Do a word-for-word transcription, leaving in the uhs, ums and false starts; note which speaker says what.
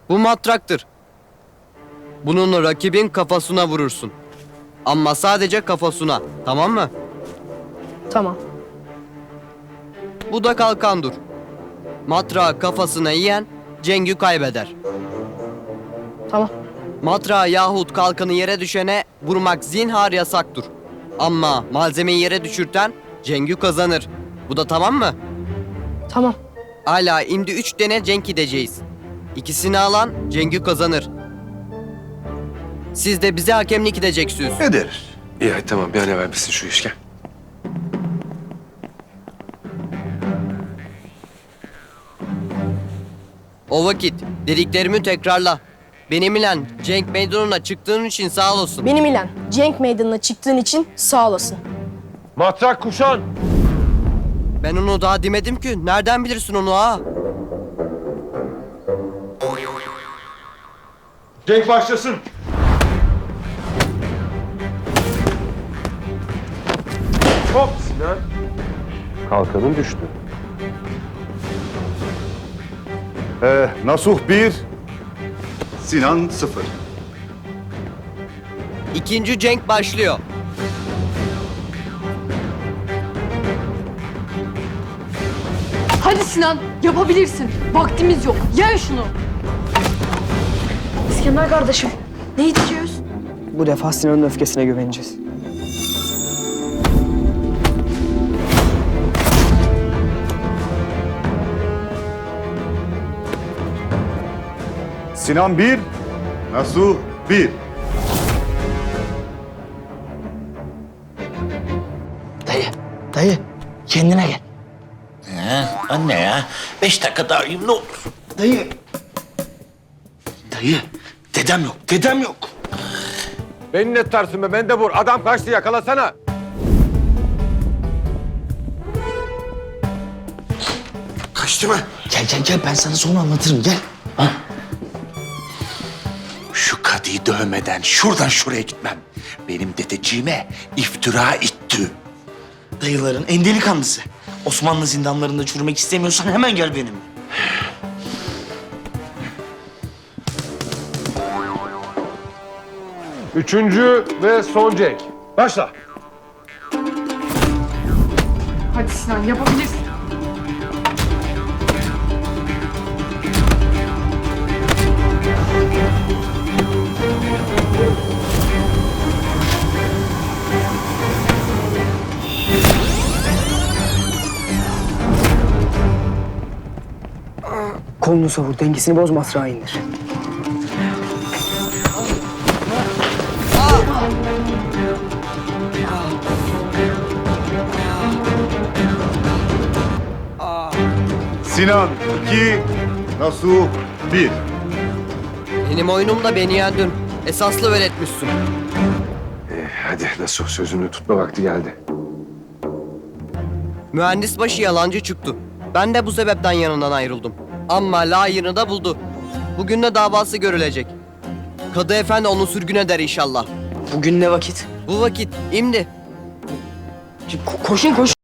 Speaker 1: Bu matraktır. Bununla rakibin kafasına vurursun. Ama sadece kafasına, tamam mı?
Speaker 2: Tamam.
Speaker 1: Bu da kalkandır. Matrağı kafasına yiyen cengi kaybeder.
Speaker 2: Tamam.
Speaker 1: Matrağı yahut kalkanı yere düşene vurmak zinhar yasaktır. Ama malzemeyi yere düşürten cengi kazanır. Bu da tamam mı?
Speaker 2: Tamam.
Speaker 1: Hala şimdi üç tane cenk gideceğiz. İkisini alan cengi kazanır. Siz de bize hakemlik edeceksiniz.
Speaker 3: Ederiz.
Speaker 4: İyi hadi tamam bir an evvel bitsin şu iş gel.
Speaker 1: O vakit dediklerimi tekrarla. Benimle cenk meydanına çıktığın için sağ olasın.
Speaker 2: Benim ile Cenk Meydanı'na çıktığın için sağ olasın.
Speaker 4: Matrak kuşan.
Speaker 1: Ben onu daha demedim ki. Nereden bilirsin onu ha?
Speaker 4: Cenk başlasın. Hop Sinan. Kalkanın düştü.
Speaker 3: Ee, Nasuh bir, Sinan sıfır.
Speaker 1: İkinci cenk başlıyor.
Speaker 5: Hadi Sinan, yapabilirsin. Vaktimiz yok. Yen şunu.
Speaker 2: İskender kardeşim, ne içiyoruz?
Speaker 6: Bu defa Sinan'ın öfkesine güveneceğiz.
Speaker 3: Sinan bir, Nasuh bir.
Speaker 7: Dayı, dayı kendine gel.
Speaker 8: He, anne ya. Beş dakika daha uyuyayım ne olur.
Speaker 7: Dayı. Dayı, dedem yok, dedem yok.
Speaker 4: Beni ne tutarsın be? Ben de vur. Adam kaçtı yakalasana.
Speaker 7: Kaçtı mı? Gel gel gel ben sana sonra anlatırım gel. Ha?
Speaker 8: Şu kadıyı dövmeden şuradan şuraya gitmem. Benim dedeciğime iftira etti.
Speaker 7: Dayıların en delikanlısı. Osmanlı zindanlarında çürümek istemiyorsan hemen gel benimle.
Speaker 4: Üçüncü ve son Cenk. Başla.
Speaker 5: Hadi Sinan, yapabilirsin.
Speaker 6: Kolunu savur, dengesini boz, matrağı indir.
Speaker 3: Sinan iki, Nasuh bir.
Speaker 1: Benim oyunumda beni yendin. Esaslı öğretmişsin.
Speaker 4: Ee, hadi nasıl sözünü tutma vakti geldi.
Speaker 1: Mühendis başı yalancı çıktı. Ben de bu sebepten yanından ayrıldım. Ama layığını da buldu. Bugün de davası görülecek. Kadı efendi onu sürgün eder inşallah.
Speaker 6: Bugün ne vakit?
Speaker 1: Bu vakit, imdi.
Speaker 6: Ko- koşun koşun.